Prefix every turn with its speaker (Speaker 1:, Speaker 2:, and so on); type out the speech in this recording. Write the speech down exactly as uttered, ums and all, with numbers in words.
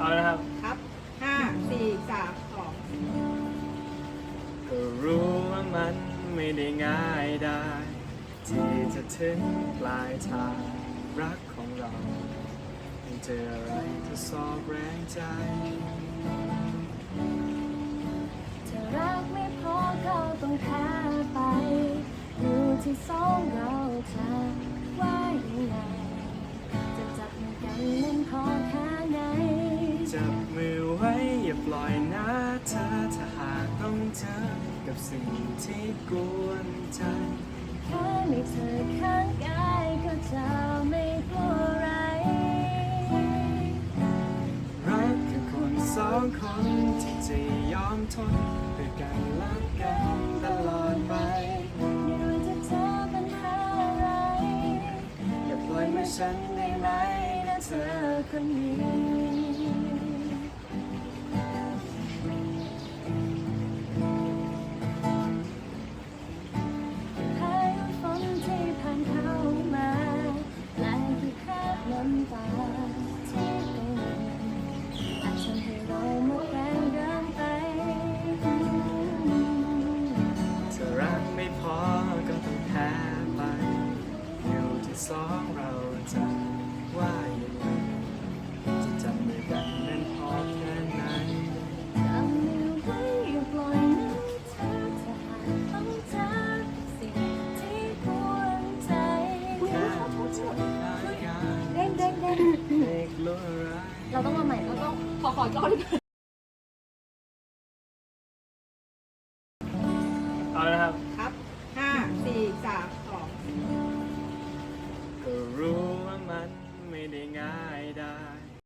Speaker 1: เอาละครับ
Speaker 2: ครับห้าสี่สามสอง
Speaker 1: ก็รู้ว่ามันไม่ได้ง่ายได้ที่จะถึงปลายทางรักของเรายังเจออะไรจะสอบแรงใจ
Speaker 3: จะรักไม่พอก็ต้องแพ้ไปอยู่ที่สองเราจะว่ายังไงจะจับมือกันนั้นพอแค่ไหน
Speaker 1: จับมือไว้อย่าปล่อยนะเธอถ้าหากต้องเจอกับสิ่งที่กวนใจ
Speaker 3: แค่มีเธอข้างกายก็จะไม่กลัวอะไร
Speaker 1: รักคือคนสองคนที่จะยอมทนด้วยกันและกันตลอดไป
Speaker 3: ไม่ว่าจะเจอปัญหาอะไร
Speaker 1: อย่าปล่อยมือฉันได้ไหมนะเธอ
Speaker 3: คนนี้น้ำตาที่กังวลอาจทำให้เราหมดแรงเดินไป
Speaker 1: ถ้ารักไม่พอก็ต้องแพ้ไปอยู่ที่สองเราจะว่าอย่างไรจะจับมือกันนั้นพอแค่ไหน
Speaker 3: จับมือไว้อย่าปล่อยนะเธอถ้าหากต้องเจอสิ่งที่กวนใจ
Speaker 1: แค่เธอ
Speaker 3: เด้งเด้งเด้ง
Speaker 1: เด็กรู้อะไร
Speaker 3: เราต้องมาใหม่เราต้องขอขออีกรอบ